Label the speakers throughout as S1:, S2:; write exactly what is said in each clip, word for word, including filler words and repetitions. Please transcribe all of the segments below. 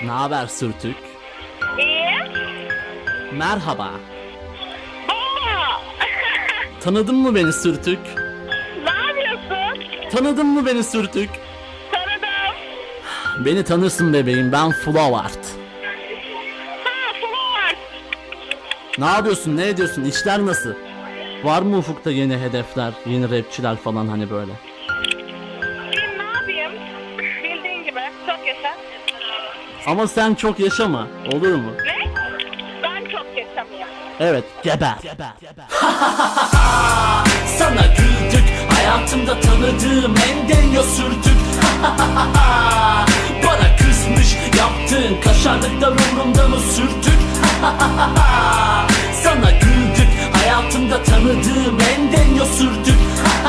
S1: Ne haber Sürtük?
S2: İyi.
S1: Merhaba.
S2: Aa!
S1: Tanıdın mı beni Sürtük?
S2: Ne yapıyorsun?
S1: Tanıdın mı beni Sürtük?
S2: Tanıdım.
S1: Beni tanırsın bebeğim, ben Flowart.
S2: Ha, Flowart.
S1: Ne yapıyorsun, ne ediyorsun, işler nasıl? Var mı ufukta yeni hedefler, yeni rapçiler falan hani böyle?
S2: Bileyim ne yapayım? Bildiğin gibi çok yaşa.
S1: Ama sen çok yaşama, olur mu?
S2: Ne? Ben çok yaşamıyorum.
S1: Evet, geber. geber.
S3: Sana güldük, hayatımda tanıdığım en deniyor sürdük. Bana kızmış, yaptığın kaşarlıklar umrumda mı sürtük? Sana güldük, hayatımda tanıdığım en deniyor sürdük.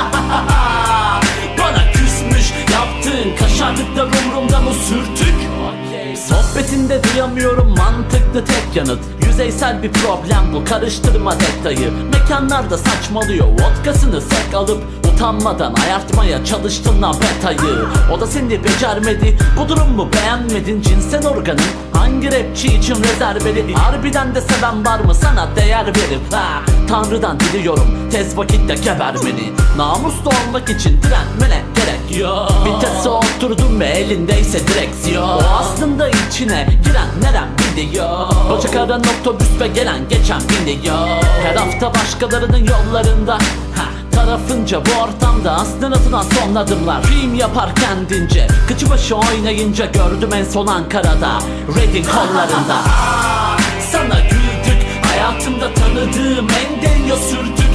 S3: Bana küsmüş, yaptığın kaşarlıklar umrumda mı sürtük? Sohbetinde duyamıyorum mantıklı tek yanıt. Yüzeysel bir problem bu, karıştırma detayı. Mekanlarda saçmalıyor, vodkasını sek alıp utanmadan ayartmaya çalıştın lan betayı. O da seni becermedi, bu durum mu beğenmedin? Cinsel organın hangi rapçi için rezerveli? Harbiden de seven var mı sana değer verip? Ha, Tanrı'dan diliyorum tez vakitte geber beni. Namuslu olmak için direnmene gerek yok. Vitese oturdun ve elindeyse direksiyon. O aslında içine giren nerem biliyor. Bacak aran otobüs ve gelen geçen biniyor. Her hafta başkalarının yollarında, ha, tarafınca bu ortamda aslında atılan son adımlar. Film yapar kendince, kıçı başı oynayınca gördüm en son Ankara'da, Reading kollarında. Sana güldük, hayatımda tanıdığım en deniyor sürdük.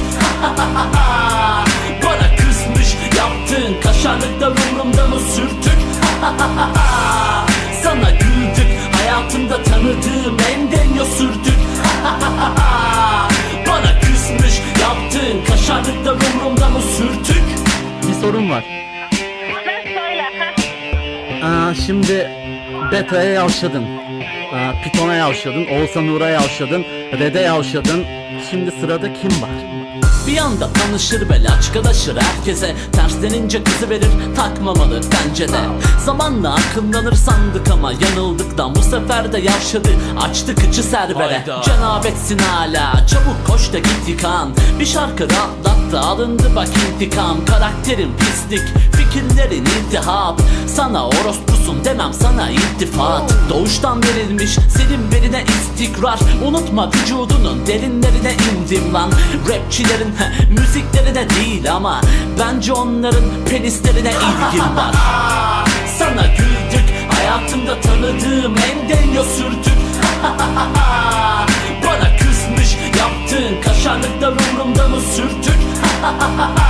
S3: Bana kızmış, yaptığın kaşarlıklar umrumda mı sürtük? Sana güldük, hayatımda tanıdığım en deniyor sürdük. Bana küsmüş, yaptığın kaşarlıklar umrumda mı sürtük?
S1: Bir sorun var.
S2: Ne söyle? Ha?
S1: Aa, şimdi Beta'ya yavşadın, Aa, Python'a yavşadın, Oğuzhan Uğur'a yavşadın, Red'e yavşadın. Şimdi sırada kim var?
S3: Bir anda tanışır ve laçkalaşır herkese. Terslenince kızı verir, takmamalı bence de. Zamanla akıllanır sandık ama yanıldıktan bu sefer de yavşadı, açtı kıçı serbere. Cenabetsin hala, çabuk koş da git yıkan. Bir şarkı rahatlattı, alındı bak intikam. Karakterin pislik, fikirlerin iltihap. Sana orospusun demem, sana iltifat. Doğuştan verilmiş senin verine istikrar. Unutma vücudunun derinlerine indim lan. Rapçilerin müziklerine değil ama bence onların penislerine ilgim var. Sana güldük, hayatımda tanıdığım en deniyor sürdük. Bana küsmüş, yaptığın kaşarlıklar umrumda mı sürtük?